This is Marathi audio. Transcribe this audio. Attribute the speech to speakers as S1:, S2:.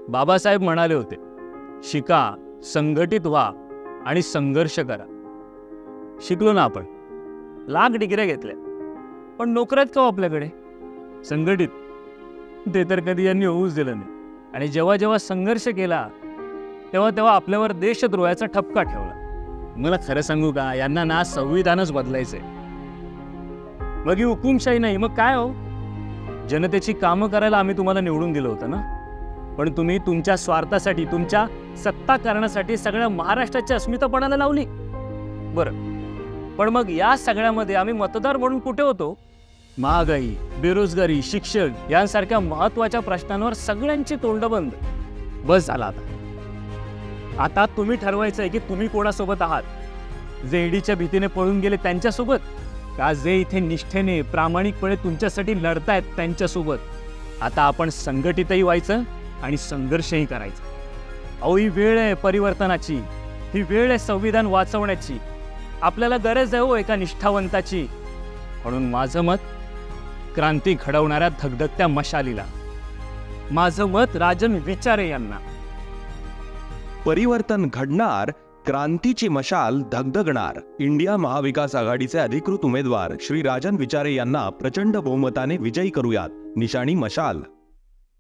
S1: बाबासाहेब म्हणाले होते, शिका, संघटित व्हा आणि संघर्ष करा. शिकलो ना आपण, लाख डिग्र्या घेतल्या, पण नोकऱ्यात का आपल्याकडे? संघटित ते तर कधी यांनी होऊच दिलं नाही. आणि जेव्हा जेव्हा संघर्ष केला तेव्हा तेव्हा आपल्यावर देशद्रोहाचा ठपका ठेवला. मला खरं सांगू का, यांना ना संविधानच बदलायचंय. मग ही हुकुमशाही नाही, मग काय हो? जनतेची कामं करायला आम्ही तुम्हाला निवडून दिलं होतं ना, पण तुम्ही तुमच्या स्वार्थासाठी, तुमच्या सत्ता करण्यासाठी सगळ्या महाराष्ट्राची अस्मितापणाला लावली. बरं, पण मग या सगळ्यामध्ये आम्ही मतदार म्हणून कुठे होतो? महागाई, बेरोजगारी, शिक्षण यांसारख्या महत्वाच्या प्रश्नांवर सगळ्यांची तोंड बंद. बस झाला आता तुम्ही ठरवायचंय की तुम्ही कोणासोबत आहात. जे ईडीच्या भीतीने पळून गेले त्यांच्यासोबत, का जे इथे निष्ठेने प्रामाणिकपणे तुमच्यासाठी लढतायत त्यांच्यासोबत? आता आपण संघटितही व्हायचं आणि संघर्षही करायचा. अहो, ही वेळ आहे परिवर्तनाची, ही वेळ आहे संविधान वाचवण्याची. आपल्याला गरज आहे हो एका निष्ठावंताची. म्हणून माझं मत क्रांती घडवणाऱ्या धगधगत्या मशालीला. माझं मत राजन विचारे यांना.
S2: परिवर्तन घडणार, क्रांतीची मशाल धगधगणार. इंडिया महाविकास आघाडीचे अधिकृत उमेदवार श्री राजन विचारे यांना प्रचंड बहुमताने विजयी करूयात. निशाणी मशाल.